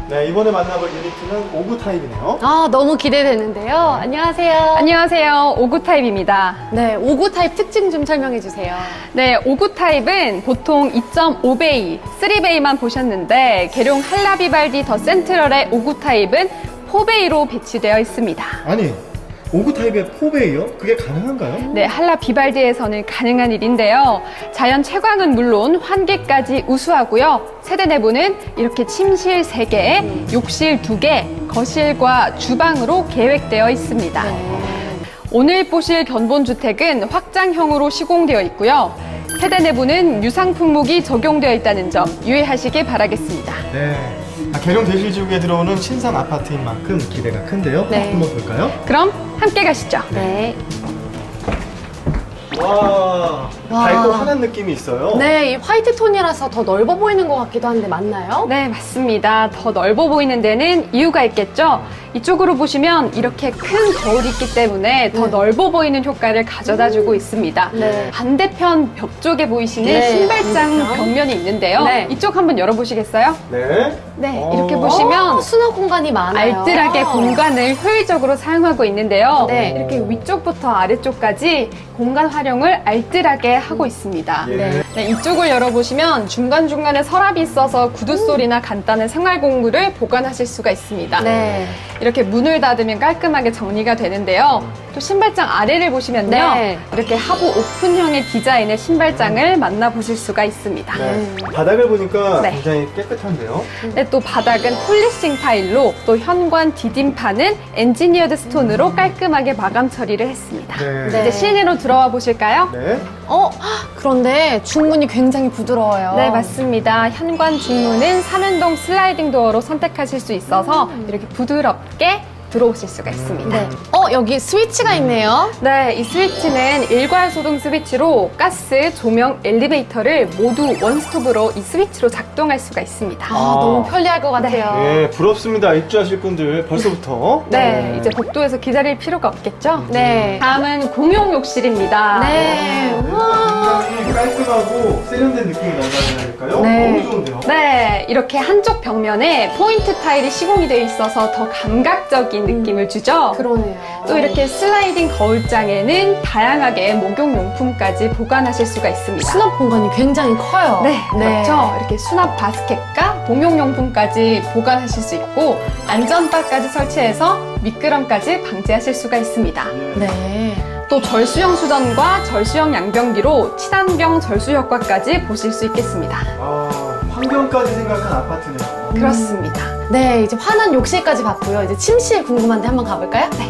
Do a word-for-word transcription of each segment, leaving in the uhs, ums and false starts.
네, 이번에 만나볼 유니트는 오구 타입이네요. 아, 너무 기대되는데요. 안녕하세요. 안녕하세요. 오구 타입입니다. 네, 오구 타입 특징 좀 설명해 주세요. 네, 오구 타입은 보통 이 점 오 베이, 삼 베이만 보셨는데 계룡 할라비발디 더 센트럴의 오구 타입은 사 베이로 배치되어 있습니다. 아니, 오구 타입의 사 베이요? 그게 가능한가요? 네, 할라비발디에서는 가능한 일인데요. 자연 채광은 물론 환기까지 우수하고요. 세대 내부는 이렇게 침실 세 개, 욕실 두 개, 거실과 주방으로 계획되어 있습니다. 오늘 보실 견본주택은 확장형으로 시공되어 있고요. 세대 내부는 유상 품목이 적용되어 있다는 점 유의하시길 바라겠습니다. 네. 아, 계룡 대실지구에 들어오는 신상 아파트인 만큼 기대가 큰데요. 네. 한번 볼까요? 그럼 함께 가시죠. 네. 와, 와. 밝고 환한 느낌이 있어요. 네, 이 화이트 톤이라서 더 넓어 보이는 것 같기도 한데 맞나요? 네, 맞습니다. 더 넓어 보이는 데는 이유가 있겠죠. 이쪽으로 보시면 이렇게 큰 거울이 있기 때문에 더 네. 넓어 보이는 효과를 가져다 주고 있습니다. 네. 반대편 벽 쪽에 보이시는 네, 신발장 반대편. 벽면이 있는데요. 네. 이쪽 한번 열어보시겠어요? 네. 네, 어. 이렇게 보시면 어, 수납 공간이 많아요. 알뜰하게 공간을 효율적으로 사용하고 있는데요. 네. 이렇게 위쪽부터 아래쪽까지 공간 활용을 알뜰하게 하고 있습니다. 예. 네. 네, 이쪽을 열어보시면 중간중간에 서랍이 있어서 구두 소리나 간단한 생활 공구를 보관하실 수가 있습니다. 네. 이렇게 문을 닫으면 깔끔하게 정리가 되는데요. 또 신발장 아래를 보시면요. 네. 이렇게 하부 오픈형의 디자인의 신발장을 만나보실 수가 있습니다. 네. 바닥을 보니까 네. 굉장히 깨끗한데요. 네, 또 바닥은 폴리싱 타일로 또 현관 디딤판은 엔지니어드 스톤으로 깔끔하게 마감 처리를 했습니다. 네. 네. 이제 실내로 들어와 보실까요? 네. 어, 헉, 그런데 중문이 굉장히 부드러워요. 네, 맞습니다. 현관 중문은 삼연동 슬라이딩 도어로 선택하실 수 있어서 이렇게 부드럽게 들어오실 수가 있습니다. 네. 어, 여기 스위치가 있네요. 네, 이 스위치는 일괄 소등 스위치로 가스, 조명, 엘리베이터를 모두 원스톱으로 이 스위치로 작동할 수가 있습니다. 아, 아. 너무 편리할 것 같아요. 네, 부럽습니다. 입주하실 분들 벌써부터. 네, 이제 복도에서 기다릴 필요가 없겠죠? 네. 다음은 공용 욕실입니다. 네. 우와. 굉장히 깔끔하고 세련된 느낌이 난다는 할까요? 네. 너무 좋은데요? 네, 이렇게 한쪽 벽면에 포인트 타일이 시공이 되어 있어서 더 감각적인 느낌을 주죠. 그러네요. 또 이렇게 슬라이딩 거울장에는 다양하게 목욕용품까지 보관하실 수가 있습니다. 수납 공간이 굉장히 커요. 네, 그렇죠. 이렇게 수납 바스켓과 목욕용품까지 보관하실 수 있고 안전바까지 설치해서 미끄럼까지 방지하실 수가 있습니다. 네. 또 절수형 수전과 절수형 양변기로 친환경 절수 효과까지 보실 수 있겠습니다. 아, 환경까지 생각한 아파트네요. 그렇습니다. 네, 이제 환한 욕실까지 봤고요. 이제 침실 궁금한데 한번 가볼까요? 네.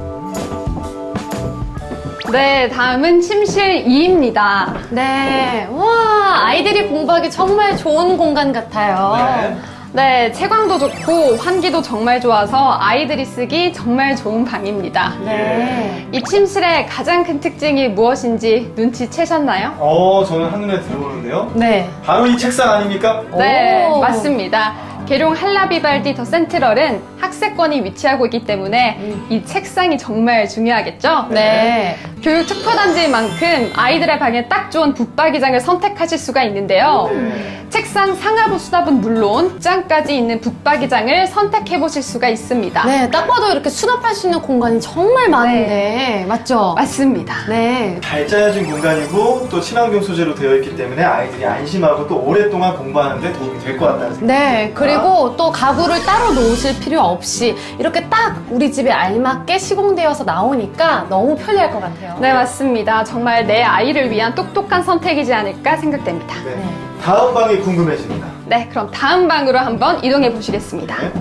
네, 다음은 침실 이입니다. 네. 와, 아이들이 공부하기 정말 좋은 공간 같아요. 네. 네, 채광도 좋고 환기도 정말 좋아서 아이들이 쓰기 정말 좋은 방입니다. 네. 이 침실의 가장 큰 특징이 무엇인지 눈치채셨나요? 어, 저는 한눈에 들어오는데요. 네. 바로 이 책상 아닙니까? 네, 오. 맞습니다. 계룡 할라비발디 더 센트럴은 학세권이 위치하고 있기 때문에 음. 이 책상이 정말 중요하겠죠? 네. 교육 특화단지인 만큼 아이들의 방에 딱 좋은 붙박이장을 선택하실 수가 있는데요. 네. 책상 상하부 수납은 물론 짱까지 있는 붙박이장을 선택해 보실 수가 있습니다. 네, 딱 봐도 이렇게 수납할 수 있는 공간이 정말 많은데. 맞죠? 맞습니다. 네. 잘 짜여진 공간이고 또 친환경 소재로 되어 있기 때문에 아이들이 안심하고 또 오랫동안 공부하는 데 도움이 될 것 같다는 생각이 네, 그리고 또 가구를 따로 놓으실 필요 없이 이렇게 딱 우리 집에 알맞게 시공되어서 나오니까 너무 편리할 것 같아요. 네, 맞습니다. 정말 내 아이를 위한 똑똑한 선택이지 않을까 생각됩니다. 네. 네. 다음 방이 궁금해집니다. 네, 그럼 다음 방으로 한번 이동해 보시겠습니다. 네.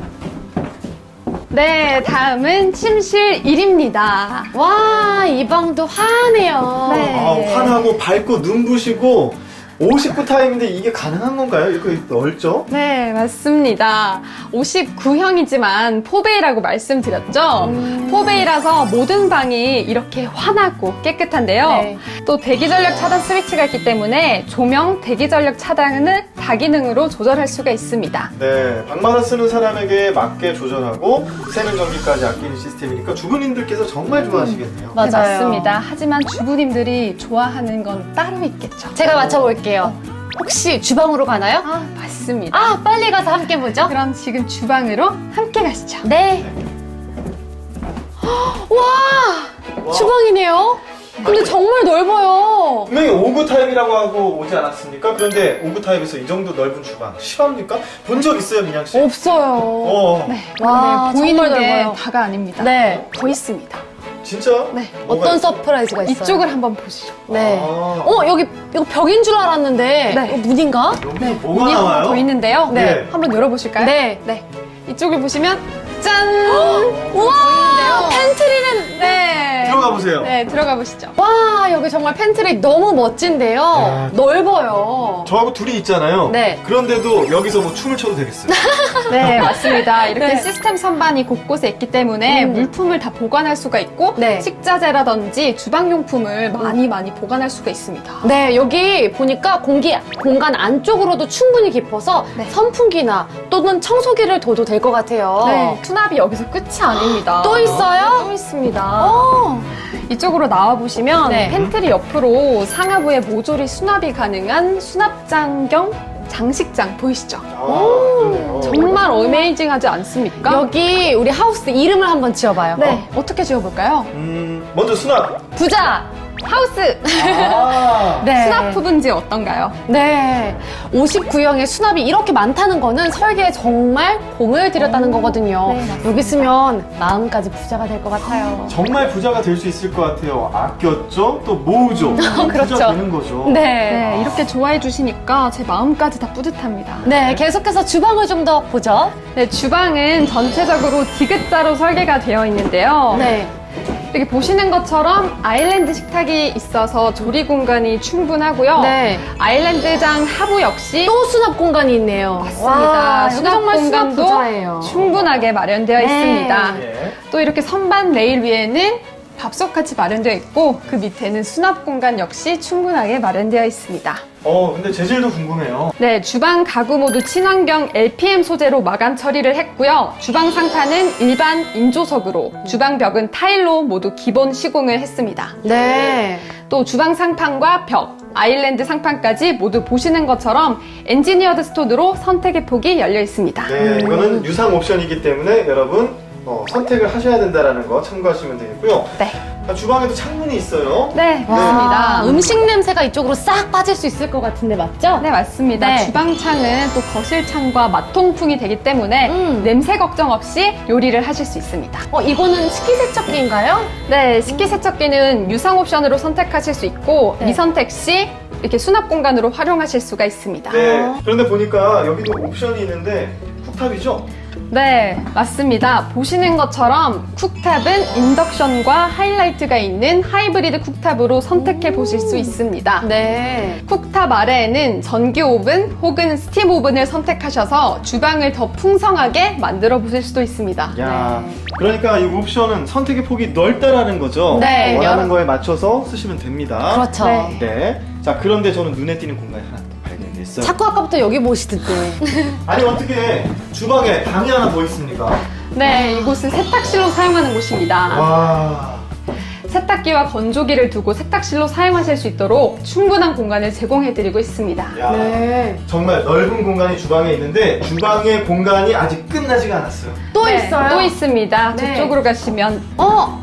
네, 다음은 침실 일입니다. 와, 이 방도 환해요. 네. 아, 환하고 밝고 눈부시고 오십구 타입인데 이게 가능한 건가요? 이거 넓죠? 네, 맞습니다. 오십구형이지만 사 베이라고 말씀드렸죠? 음. 사 베이라서 모든 방이 이렇게 환하고 깨끗한데요. 네. 또 대기전력 차단 스위치가 있기 때문에 조명, 대기전력 차단을 다기능으로 조절할 수가 있습니다. 네, 방마다 쓰는 사람에게 맞게 조절하고 세는 전기까지 아끼는 시스템이니까 주부님들께서 정말 좋아하시겠네요. 맞아요. 네, 맞습니다. 하지만 주부님들이 좋아하는 건 따로 있겠죠. 제가 맞춰볼게요. 혹시 주방으로 가나요? 아, 맞습니다. 있습니다. 아, 빨리 가서 함께 보죠. 그럼 지금 주방으로 함께 가시죠. 네. 와, 와. 주방이네요. 근데 정말 넓어요. 분명히 오구 타입이라고 하고 오지 않았습니까? 그런데 오구 타입에서 이 정도 넓은 주방 실합니까? 본 적 있어요, 민양 씨? 없어요. 어, 네. 와, 네, 보이는 정말 게 넓어요. 다가 아닙니다. 네. 더 있습니다. 진짜? 네. 뭐가 어떤 있어요? 서프라이즈가 있어요? 이쪽을 한번 보시죠. 네. 아. 어, 여기 이거 벽인 줄 알았는데 네. 이거 문인가? 여기서 뭐가 문이 하나 나와요? 더 있는데요. 네. 한번 열어보실까요? 네. 네. 이쪽을 보시면 짠! 우와, 보이는데요? 팬트리는 네. 들어가 보세요. 네, 들어가 보시죠. 와, 여기 정말 팬트리 너무 멋진데요. 야. 넓어요. 저하고 둘이 있잖아요. 네. 그런데도 여기서 뭐 춤을 춰도 되겠어요. 네, 맞습니다. 이렇게 네. 시스템 선반이 곳곳에 있기 때문에 음. 물품을 다 보관할 수가 있고 네. 식자재라든지 주방용품을 많이 많이 보관할 수가 있습니다. 네, 여기 보니까 공기, 공간 안쪽으로도 충분히 깊어서 네. 선풍기나 또는 청소기를 둬도 될 것 같아요. 네, 수납이 여기서 끝이 아닙니다. 또 있어요? 또 있습니다. 어. 이쪽으로 나와 보시면 네. 팬트리 옆으로 상하부에 모조리 수납이 가능한 수납장 겸 장식장 보이시죠? 아, 그러네요. 정말 어메이징하지 않습니까? 여기 우리 하우스 이름을 한번 지어봐요. 네, 어떻게 지어볼까요? 음, 먼저 수납. 부자. 하우스! 아. 네. 수납 부분지 어떤가요? 네. 오십구 형의 수납이 이렇게 많다는 거는 설계에 정말 공을 들였다는 거거든요. 네, 맞습니다. 여기 있으면 마음까지 부자가 될 것 같아요. 정말 부자가 될 수 있을 것 같아요. 아꼈죠? 또 모으죠. 그렇죠. 부자 되는 거죠. 네. 네, 이렇게 좋아해 주시니까 제 마음까지 다 뿌듯합니다. 네, 계속해서 주방을 좀 더 보죠. 네, 주방은 전체적으로 디귿자로 설계가 되어 있는데요. 네. 이렇게 보시는 것처럼 아일랜드 식탁이 있어서 조리 공간이 충분하고요. 네. 아일랜드장 하부 역시 또 수납 공간이 있네요. 맞습니다. 와, 여기 수납 정말 수납 공간도 부자예요. 충분하게 마련되어 네. 있습니다. 예. 또 이렇게 선반 레일 위에는 밥솥같이 마련되어 있고 그 밑에는 수납 공간 역시 충분하게 마련되어 있습니다. 어, 근데 재질도 궁금해요. 네, 주방 가구 모두 친환경 엘피엠 소재로 마감 처리를 했고요. 주방 상판은 일반 인조석으로, 주방 벽은 타일로 모두 기본 시공을 했습니다. 네. 또 주방 상판과 벽, 아일랜드 상판까지 모두 보시는 것처럼 엔지니어드 스톤으로 선택의 폭이 열려 있습니다. 네, 이거는 유상 옵션이기 때문에 여러분 어, 선택을 하셔야 된다는 거 참고하시면 되겠고요. 네, 아, 주방에도 창문이 있어요. 네, 와, 맞습니다. 음식 냄새가 이쪽으로 싹 빠질 수 있을 것 같은데 맞죠? 네, 맞습니다. 네. 주방창은 또 거실창과 맞통풍이 되기 때문에 음. 냄새 걱정 없이 요리를 하실 수 있습니다. 어, 이거는 식기세척기인가요? 네, 식기세척기는 유상 옵션으로 선택하실 수 있고 네. 미선택 시 이렇게 수납 공간으로 활용하실 수가 있습니다. 네, 아. 그런데 보니까 여기도 옵션이 있는데 쿡탑이죠? 네, 맞습니다. 보시는 것처럼 쿡탑은 인덕션과 하이라이트가 있는 하이브리드 쿡탑으로 선택해 보실 수 있습니다. 네. 쿡탑 아래에는 전기 오븐 혹은 스팀 오븐을 선택하셔서 주방을 더 풍성하게 만들어 보실 수도 있습니다. 야, 그러니까 이 옵션은 선택의 폭이 넓다라는 거죠? 네, 원하는 여러- 거에 맞춰서 쓰시면 됩니다. 그렇죠. 네. 네. 자, 그런데 저는 눈에 띄는 공간이 하나 또 발견됐어요. 자꾸 아까부터 여기 보시던데. 아니, 어떻게 주방에 방이 하나 더 있습니까? 네, 이곳은 세탁실로 사용하는 곳입니다. 와. 세탁기와 건조기를 두고 세탁실로 사용하실 수 있도록 충분한 공간을 제공해드리고 있습니다. 야, 네. 정말 넓은 공간이 주방에 있는데 주방의 공간이 아직 끝나지가 않았어요. 또 네, 있어요? 또 있습니다. 네. 저쪽으로 가시면. 어,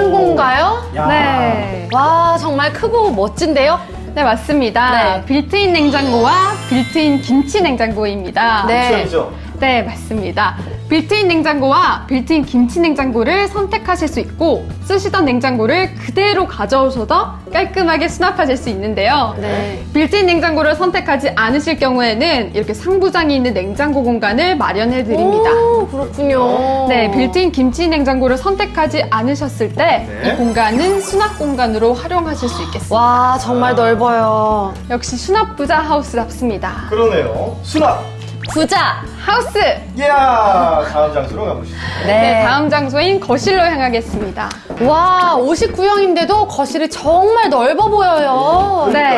냉장고인가요? 야. 네. 와, 정말 크고 멋진데요? 네, 맞습니다. 네. 빌트인 냉장고와 빌트인 김치 냉장고입니다. 네. 옵션이죠? 네, 맞습니다. 빌트인 냉장고와 빌트인 김치 냉장고를 선택하실 수 있고 쓰시던 냉장고를 그대로 가져오셔서 깔끔하게 수납하실 수 있는데요. 네. 빌트인 냉장고를 선택하지 않으실 경우에는 이렇게 상부장이 있는 냉장고 공간을 마련해 드립니다. 오, 그렇군요. 네, 빌트인 김치 냉장고를 선택하지 않으셨을 때 이 네. 공간은 수납 공간으로 활용하실 수 있겠습니다. 와, 정말 넓어요. 역시 수납 부자 하우스답습니다. 그러네요. 수납! 부자. 하우스! 이야! 다음 장소로 가보시죠. 네, 다음 장소인 거실로 향하겠습니다. 와, 오십구 형인데도 거실이 정말 넓어 보여요. 네. 그러니까요.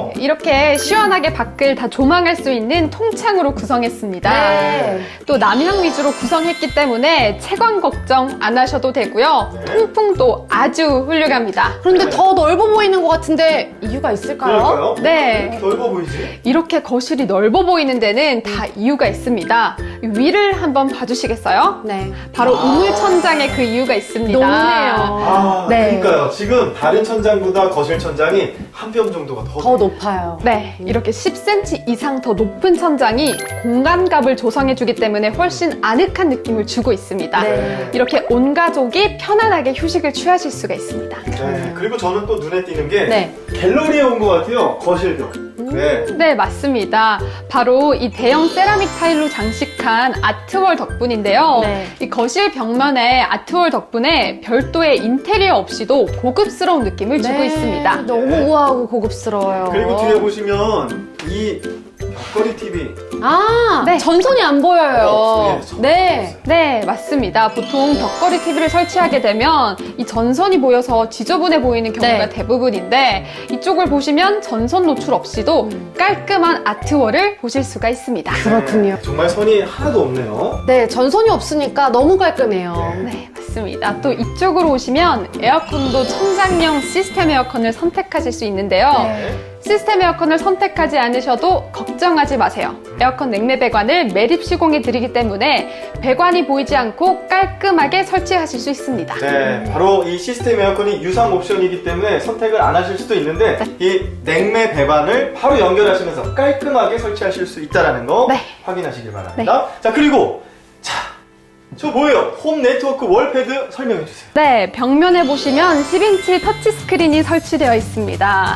그렇죠. 이렇게 시원하게 밖을 다 조망할 수 있는 통창으로 구성했습니다. 네. 또 남향 위주로 구성했기 때문에 채광 걱정 안 하셔도 되고요. 네. 통풍도 아주 훌륭합니다. 그런데 더 넓어 보이는 것 같은데 이유가 있을까요? 그럴까요? 네. 넓어 보이지? 이렇게 거실이 넓어 보이는 데는 다 이유가 있습니다. 위를 한번 봐주시겠어요? 네. 바로 아. 우물 천장에 그 이유가 있습니다. 높네요. 아, 네. 그러니까요. 지금 다른 천장보다 거실 천장이 한 뼘 정도가 더, 더 높아요. 네, 이렇게 십 센티미터 이상 더 높은 천장이 공간갑을 조성해주기 때문에 훨씬 아늑한 느낌을 주고 있습니다. 네. 이렇게 온 가족이 편안하게 휴식을 취하실 수가 있습니다. 네. 그리고 저는 또 눈에 띄는 게 네. 갤러리에 온 것 같아요. 거실도. 네. 네, 맞습니다. 바로 이 대형 세라믹 타일로 장식한 아트월 덕분인데요. 네. 이 거실 벽면에 아트월 덕분에 별도의 인테리어 없이도 고급스러운 느낌을 주고 네. 있습니다. 너무 네. 우아하고 고급스러워요. 그리고 뒤에 보시면 이 벽걸이 티비. 아, 네. 전선이 안 보여요. 어, 네, 네. 네, 맞습니다. 보통 벽걸이 티비를 설치하게 되면 이 전선이 보여서 지저분해 보이는 경우가 네. 대부분인데 이쪽을 보시면 전선 노출 없이도 깔끔한 아트월을 보실 수가 있습니다. 그렇군요. 네, 정말 선이 하나도 없네요. 네, 전선이 없으니까 너무 깔끔해요. 네. 네, 맞습니다. 또 이쪽으로 오시면 에어컨도 천장형 시스템 에어컨을 선택하실 수 있는데요. 네. 시스템 에어컨을 선택하지 않으셔도 걱정하지 마세요. 에어컨 냉매 배관을 매립 시공해 드리기 때문에 배관이 보이지 않고 깔끔하게 설치하실 수 있습니다. 네, 바로 이 시스템 에어컨이 유상 옵션이기 때문에 선택을 안 하실 수도 있는데 이 냉매 배관을 바로 연결하시면서 깔끔하게 설치하실 수 있다는 거 네. 확인하시길 바랍니다. 자, 그리고 자, 저 뭐예요? 홈 네트워크 월패드 설명해 주세요. 네, 벽면에 보시면 십 인치 터치 스크린이 설치되어 있습니다.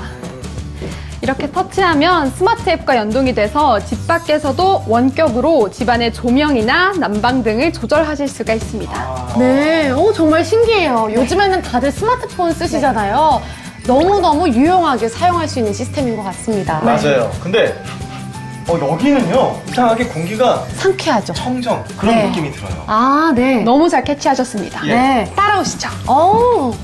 이렇게 터치하면 스마트 앱과 연동이 돼서 집 밖에서도 원격으로 집안의 조명이나 난방 등을 조절하실 수가 있습니다. 아, 네, 오, 정말 신기해요. 요즘에는 다들 스마트폰 쓰시잖아요. 너무너무 유용하게 사용할 수 있는 시스템인 것 같습니다. 맞아요. 근데 어, 여기는요 이상하게 공기가 상쾌하죠. 청정 그런 네. 느낌이 들어요. 아, 네. 너무 잘 캐치하셨습니다. 예. 네. 따라오시죠. 오,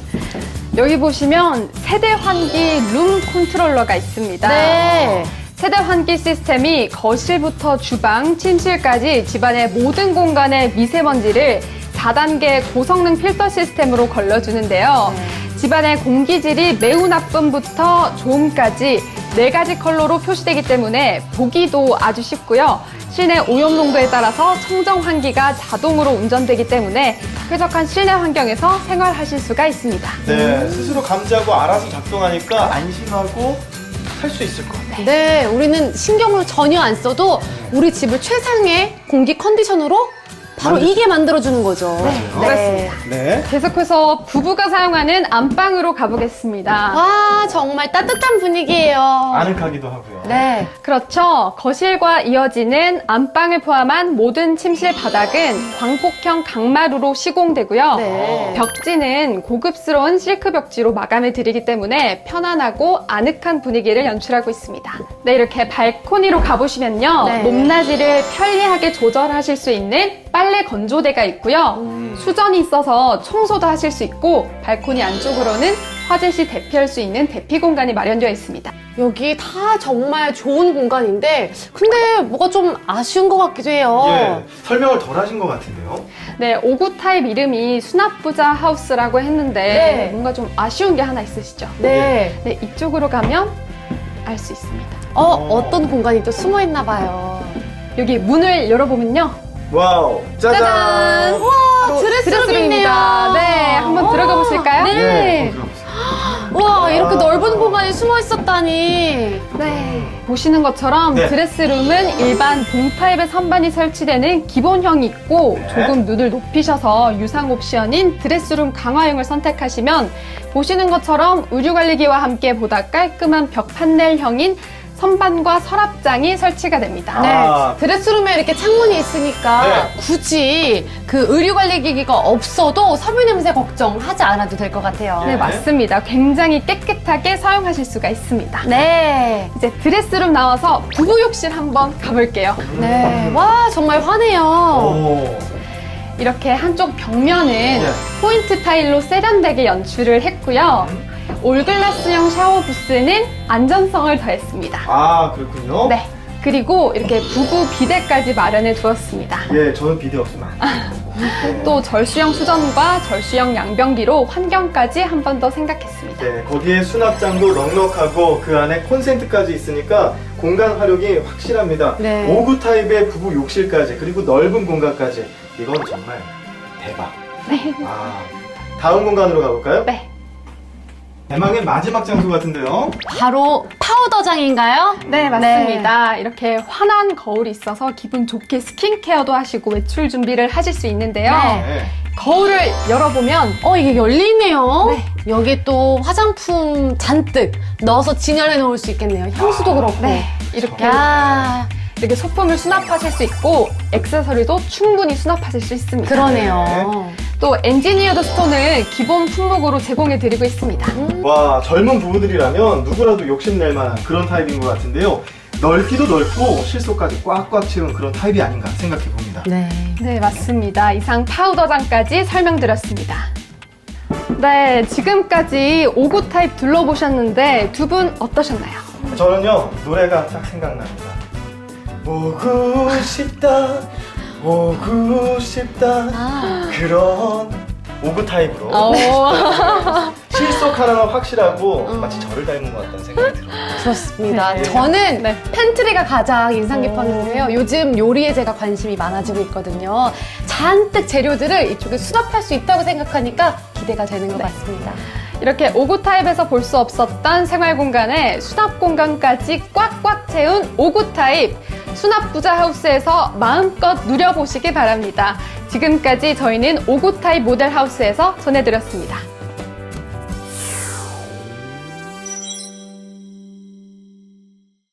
여기 보시면 세대 환기 룸 컨트롤러가 있습니다. 네. 세대 환기 시스템이 거실부터 주방, 침실까지 집안의 모든 공간의 미세먼지를 사 단계 고성능 필터 시스템으로 걸러주는데요. 네. 집안의 공기질이 매우 나쁨부터 좋음까지 네 가지 컬러로 표시되기 때문에 보기도 아주 쉽고요. 실내 오염 농도에 따라서 청정 환기가 자동으로 운전되기 때문에 쾌적한 실내 환경에서 생활하실 수가 있습니다. 네, 스스로 감지하고 알아서 작동하니까 안심하고 살 수 있을 것 같아요. 네, 우리는 신경을 전혀 안 써도 우리 집을 최상의 공기 컨디션으로 바로 만들- 이게 만들어주는 거죠. 맞아요. 그렇습니다. 네. 계속해서 부부가 사용하는 안방으로 가보겠습니다. 와, 정말 따뜻한 분위기예요. 아늑하기도 하고요. 네. 그렇죠. 거실과 이어지는 안방을 포함한 모든 침실 바닥은 광폭형 강마루로 시공되고요. 네. 벽지는 고급스러운 실크 벽지로 마감해 드리기 때문에 편안하고 아늑한 분위기를 연출하고 있습니다. 네, 이렇게 발코니로 가보시면요. 네. 높낮이를 편리하게 조절하실 수 있는 빨래 건조대가 있고요. 음. 수전이 있어서 청소도 하실 수 있고 발코니 안쪽으로는 화재 시 대피할 수 있는 대피 공간이 마련되어 있습니다. 여기 다 정말 좋은 공간인데 근데 뭐가 좀 아쉬운 것 같기도 해요. 예, 설명을 덜 하신 것 같은데요. 네, 오 구 타입 이름이 수납부자 하우스라고 했는데 네. 뭔가 좀 아쉬운 게 하나 있으시죠? 네. 네, 이쪽으로 가면 알 수 있습니다. 어, 어떤 공간이 또 숨어 있나 봐요. 여기 문을 열어보면요. 와우, 짜잔. 짜잔! 와, 드레스룸이 있네요. 네, 한번 들어가 보실까요? 네. 네, 한번 들어보세요. 와, 이렇게 넓은 공간이 숨어 있었다니. 네, 보시는 것처럼 네. 드레스룸은 일반 봉 타입의 선반이 설치되는 기본형이 있고 네. 조금 눈을 높이셔서 유상 옵션인 드레스룸 강화형을 선택하시면 보시는 것처럼 의류관리기와 함께 보다 깔끔한 벽 판넬형인 선반과 서랍장이 설치가 됩니다. 네. 아. 드레스룸에 이렇게 창문이 있으니까 네. 굳이 그 의류관리기기가 없어도 섬유 냄새 걱정하지 않아도 될 것 같아요. 네, 맞습니다. 굉장히 깨끗하게 사용하실 수가 있습니다. 네. 이제 드레스룸 나와서 부부 욕실 한번 가볼게요. 네. 와, 정말 환해요. 오. 이렇게 한쪽 벽면은 네. 포인트 타일로 세련되게 연출을 했고요. 올글라스형 샤워 부스는 안전성을 더했습니다. 아, 그렇군요. 네. 그리고 이렇게 부부 비데까지 마련해 두었습니다. 예, 저는 비데 없으면 안 돼요. 네. 또 절수형 수전과 절수형 양변기로 환경까지 한 번 더 생각했습니다. 네, 거기에 수납장도 넉넉하고 그 안에 콘센트까지 있으니까 공간 활용이 확실합니다. 네. 오 구 타입의 부부 욕실까지 그리고 넓은 공간까지 이건 정말 대박. 네. 아, 다음 공간으로 가볼까요? 네. 대망의 마지막 장소 같은데요. 바로 파우더장인가요? 네, 맞습니다. 이렇게 환한 거울이 있어서 기분 좋게 스킨케어도 하시고 외출 준비를 하실 수 있는데요. 네. 네. 거울을 열어보면 어, 이게 열리네요. 네. 여기 또 화장품 잔뜩 넣어서 진열해 놓을 수 있겠네요. 향수도 그렇고. 네, 이렇게 야, 이렇게 소품을 수납하실 수 있고 액세서리도 충분히 수납하실 수 있습니다. 그러네요. 또 엔지니어드 스톤을 기본 품목으로 제공해 드리고 있습니다. 와, 젊은 부부들이라면 누구라도 욕심낼 만한 그런 타입인 것 같은데요. 넓기도 넓고 실속까지 꽉꽉 채운 그런 타입이 아닌가 생각해 봅니다. 네. 네, 맞습니다. 이상 파우더장까지 설명드렸습니다. 네, 지금까지 오 구 타입 둘러보셨는데 두 분 어떠셨나요? 저는요, 노래가 딱 생각납니다. 오고 싶다, 오고 싶다. 아. 그런 오 구 타입으로 오. 실속 하나가 확실하고 음. 마치 저를 닮은 것 같다는 생각이 들어요. 그렇습니다. 네. 저는 네. 팬트리가 가장 인상 깊었는데요. 요즘 요리에 제가 관심이 많아지고 있거든요. 잔뜩 재료들을 이쪽에 수납할 수 있다고 생각하니까 기대가 되는 것 같습니다. 이렇게 오 구 타입에서 볼 수 없었던 생활 공간에 수납 공간까지 꽉꽉 채운 오 구 타입 수납 부자 하우스에서 마음껏 누려보시기 바랍니다. 지금까지 저희는 오 구 타입 모델 하우스에서 전해드렸습니다.